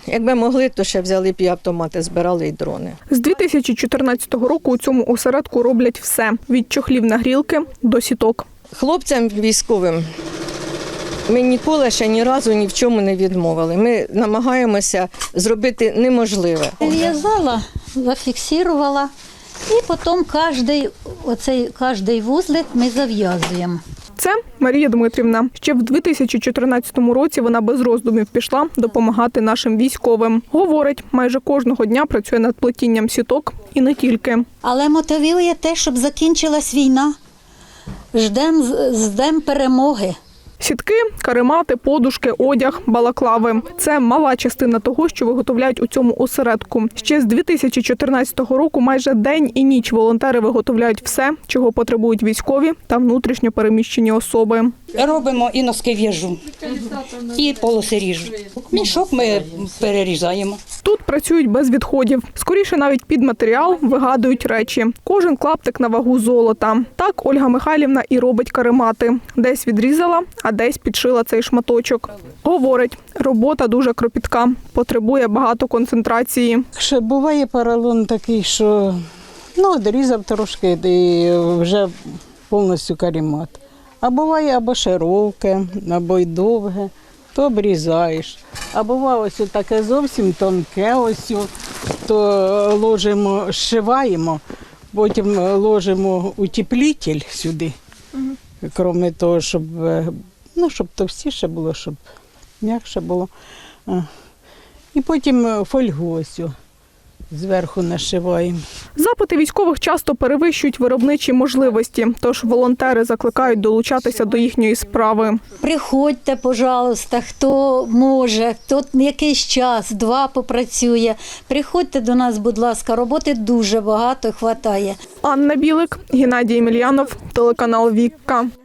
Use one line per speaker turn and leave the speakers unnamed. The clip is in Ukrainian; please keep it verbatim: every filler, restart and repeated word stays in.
Якби могли, то ще взяли б і автомати, збирали, і дрони.
З дві тисячі чотирнадцятого року у цьому осередку роблять все – від чохлів на грілки до сіток.
Хлопцям військовим ми ніколи ще ні разу ні в чому не відмовили. Ми намагаємося зробити неможливе.
В'язала, зафіксувала і потім кожний, оцей, кожний вузлик ми зав'язуємо.
Це Марія Дмитрівна. Ще в дві тисячі чотирнадцятому році вона без роздумів пішла допомагати нашим військовим. Говорить, майже кожного дня працює над плетінням сіток і не тільки.
Але мотивує те, щоб закінчилась війна. Ждемо, ждемо перемоги.
Сітки, каремати, подушки, одяг, балаклави – це мала частина того, що виготовляють у цьому осередку. Ще з дві тисячі чотирнадцятого року майже день і ніч волонтери виготовляють все, чого потребують військові та внутрішньо переміщені особи.
Робимо і носки в'яжу, і полоси ріжу. Мішок ми перерізаємо.
Тут працюють без відходів. Скоріше навіть під матеріал вигадують речі. Кожен клаптик на вагу золота. Так Ольга Михайлівна і робить каремати. Десь відрізала, а десь підшила цей шматочок. Говорить, робота дуже кропітка, потребує багато концентрації.
Ще буває поролон такий, що ну, відрізав трошки і вже повністю каремат. А буває або широке, або й довге, то обрізаєш. А буває ось таке зовсім тонке, ось, то ложимо, зшиваємо, потім ложимо утеплитель сюди, крім того, щоб, ну, щоб товстіше було, щоб м'якше було. І потім фольгу ось зверху нашиваємо.
Запити військових часто перевищують виробничі можливості, тож волонтери закликають долучатися до їхньої справи.
Приходьте, пожалуйста, хто може, хто якийсь час, два попрацює. Приходьте до нас, будь ласка, роботи дуже багато, хватає.
Анна Білик, Геннадій Емельянов, телеканал «Вікка».